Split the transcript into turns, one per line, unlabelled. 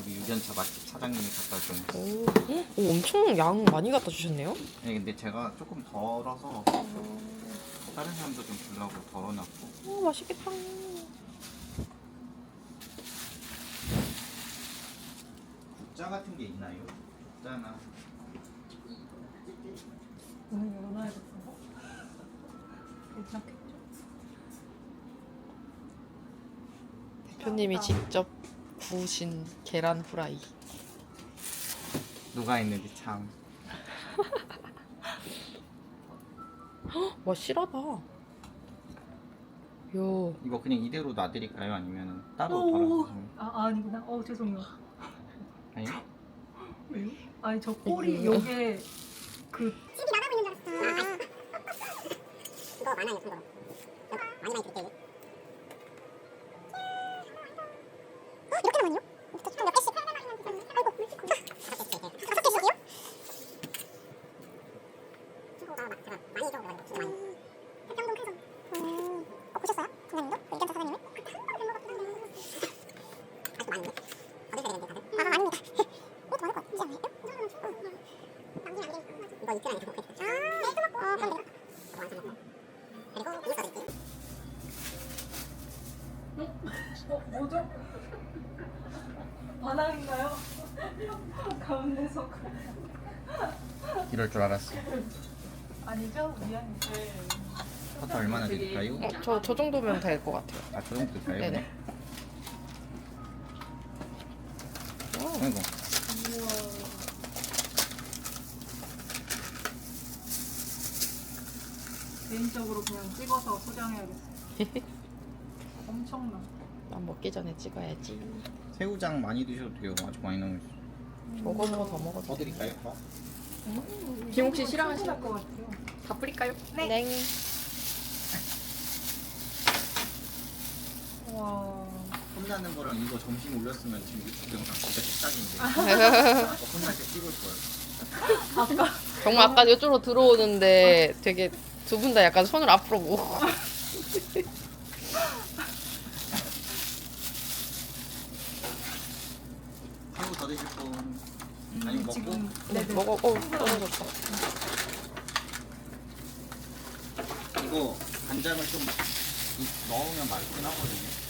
우리 유전차 맛집 사장님이 갖다 준.
오, 엄청 양 많이 갖다 주셨네요.
네, 근데 제가 조금 덜어서 다른 사람도 좀 주려고 덜어놨고.
오, 맛있겠다.
국자 같은 게 있나요? 국자나.
오늘 열어놔야겠어. 괜찮겠죠?
대표님이 직접 구우신 계란 후라이.
누가 했는지 참.
와, 실하다. 요.
이거 그냥 이대로 놔드릴까요? 아니면 따로
오,
덜어서?
아니구나. 죄송해요.
아니요?
왜요? 아니 저 꼬리
왜요?
요게 그
집이 나가고 있는 줄 알았어. 이거 많아요, 이거. 많이 드릴게요. 이렇게 나왔네요? 몇 개씩? 아이고, 다섯 개씩이요? 친구가 막 제가 많이 적어가지고 진짜 많이. 백경동 캐서. 보셨어요? 팀장님도? 그 의견차 사장님을? 그때 한 번도 뵌것 같긴 한데. 아직도 많은데? 어딜 가야 되는데 다들? 많습니다. 이것도 많을 것 같지 않아요? 남기면 안 되니까. 이거 이틀 안에 다 먹겠다. 네, 끝났고. 그럼 돼요. 완성했고. 그리고 이거 써드릴게요.
뭐죠? 반항인가요? 가운데서
이럴 줄 알았어.
아니죠? 미안해.
커터 얼마나 드릴까요?
저 정도면 될 것 같아요.
아, 저 정도 드릴까요?
네네.
아이고.
개인적으로 그냥 찍어서 소장해야겠어. 엄청나.
난 먹기 전에 찍어야지.
새우장 많이 드셔도 돼요. 아주 많이 나오고 있어요.
저거 더 먹어도
더 드릴까요? 더?
김옥 씨 싫어하시나?
것 같아요.
다 뿌릴까요? 네.
와.
혼나는 거랑 이거 점심 올렸으면 지금 유튜브 영상 진짜 식탁인데. 혼날 때 찍을 거예요.
정말 아까 이쪽으로 들어오는데 되게 두 분 다 약간 손을 앞으로 모으고.
새우 더 드실 분? 아니면 먹고?
지금
네, 먹어. 떨어졌다.
이거 간장을 좀 넣으면 맛있긴 하거든요.